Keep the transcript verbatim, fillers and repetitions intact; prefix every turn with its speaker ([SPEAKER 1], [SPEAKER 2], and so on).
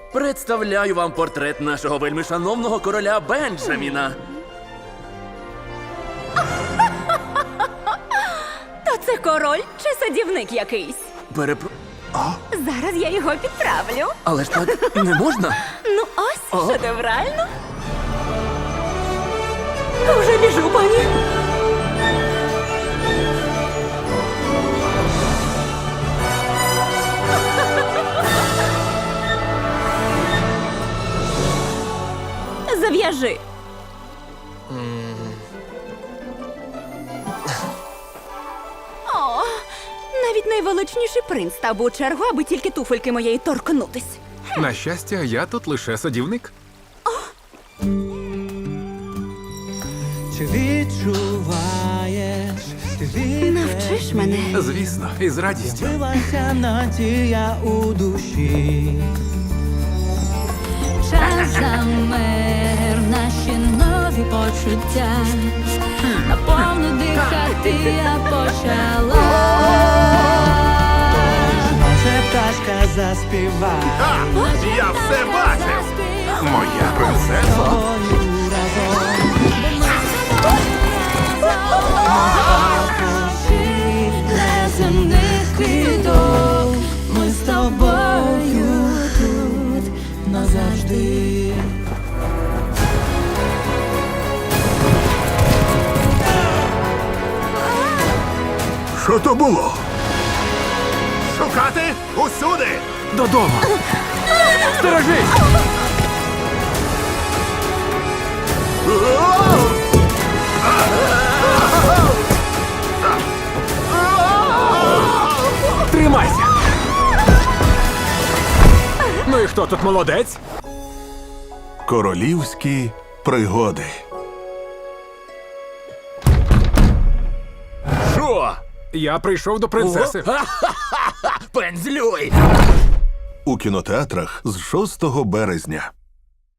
[SPEAKER 1] Представляю вам портрет нашого вельмишановного короля Бенджаміна.
[SPEAKER 2] То це король чи садівник якийсь?
[SPEAKER 1] Перепро...
[SPEAKER 2] Зараз я його підправлю.
[SPEAKER 1] Але ж так не можна.
[SPEAKER 2] Ну ось,
[SPEAKER 1] О.
[SPEAKER 2] шедеврально. Вже біжу, пані. Зав'яжи. О, навіть найвеличніший принц став у чергу, аби тільки туфельки моєї торкнутись.
[SPEAKER 3] На щастя, я тут лише садівник.
[SPEAKER 4] Чи відчуваєш, ти
[SPEAKER 2] Навчиш мене.
[SPEAKER 3] Звісно, із радістю.
[SPEAKER 4] з'явилася надія у душі.
[SPEAKER 5] Час замер, наші нові почуття. Наповну дихати я почала.
[SPEAKER 4] Може пташка заспіває
[SPEAKER 3] Я все бачив! Моя принцеса.
[SPEAKER 4] тобою разом.
[SPEAKER 5] Неземних квіток, ми з тобою тут назавжди.
[SPEAKER 3] Що то було? Шукати усюди! Додому! Сторожись! Тримайся! Ну і хто тут молодець?
[SPEAKER 6] Королівські пригоди.
[SPEAKER 1] Що?
[SPEAKER 3] Я прийшов до принцеси.
[SPEAKER 1] Пензлюй!
[SPEAKER 6] У кінотеатрах з шостого березня.